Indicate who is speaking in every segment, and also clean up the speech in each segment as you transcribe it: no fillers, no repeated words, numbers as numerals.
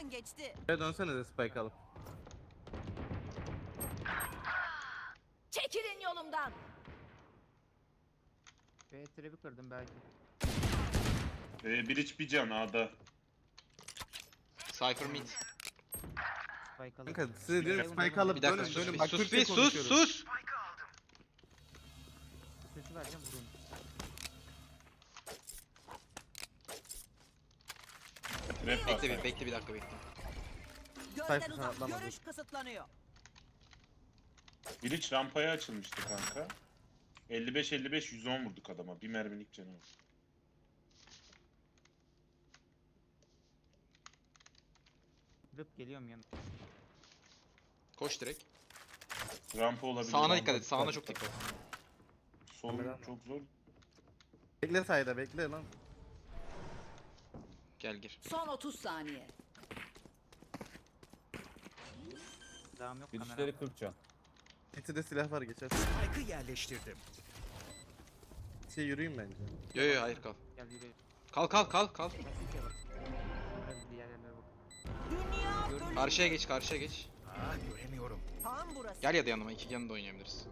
Speaker 1: Gözden geçti.
Speaker 2: Buraya dönsene de spike alıp.
Speaker 1: Çekilin yolumdan.
Speaker 3: Trap'i kırdım belki.
Speaker 4: Bir iç bir can A'da.
Speaker 5: Cypher mid.
Speaker 3: Spike alıp.
Speaker 2: Kanka size diyorum spike
Speaker 5: Bir
Speaker 2: alıp
Speaker 5: dakika
Speaker 2: dönün
Speaker 5: sus
Speaker 2: dönün.
Speaker 5: bir
Speaker 2: Bak
Speaker 5: sus
Speaker 2: Türkçe
Speaker 5: bir sus
Speaker 2: konuşuyorum.
Speaker 5: sus.
Speaker 3: Sesi vereceğim vurun.
Speaker 4: Trap var.
Speaker 5: Bekle bir dakika bekle.
Speaker 1: Gözden
Speaker 2: Sayfa
Speaker 1: uzak.
Speaker 2: atlamadı.
Speaker 1: Görüş kısıtlanıyor.
Speaker 4: Bir iç rampaya açılmıştı kanka. 55 110 vurduk adama. Bir mermilik canı var.
Speaker 3: Rıp geliyorum yanına.
Speaker 5: Koş direkt.
Speaker 4: Rampa olabilir.
Speaker 5: Sağına
Speaker 4: rampa.
Speaker 5: dikkat et. Sağına çok dikkat.
Speaker 4: Sol çok zor.
Speaker 2: Bekle sayda bekle lan.
Speaker 5: Gel gir.
Speaker 1: Son 30 saniye.
Speaker 3: Devam yok kamera.
Speaker 6: Girişleri 40 can.
Speaker 2: Eti de silah var geçer.
Speaker 7: Spike'ı yerleştirdim.
Speaker 2: Şey yürüyeyim bence.
Speaker 5: Yo hayır kal.
Speaker 3: Gel yürü.
Speaker 5: Kal.
Speaker 3: Biraz diğer yerlere bak.
Speaker 1: Dünya bölüm.
Speaker 5: Karşıya geç.
Speaker 7: Göremiyorum.
Speaker 1: Tam burası.
Speaker 5: Gel ya da yanıma. İki yanında oynayabiliriz.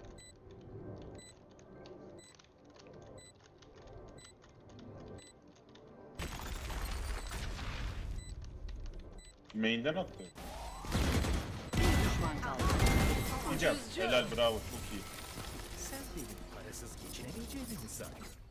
Speaker 4: Main'den attı.
Speaker 1: Bir düşman kaldı.
Speaker 4: Bir can. Helal bravo çok iyi.
Speaker 7: Sen benim parasız geçinemeyeceğimi mi sandın?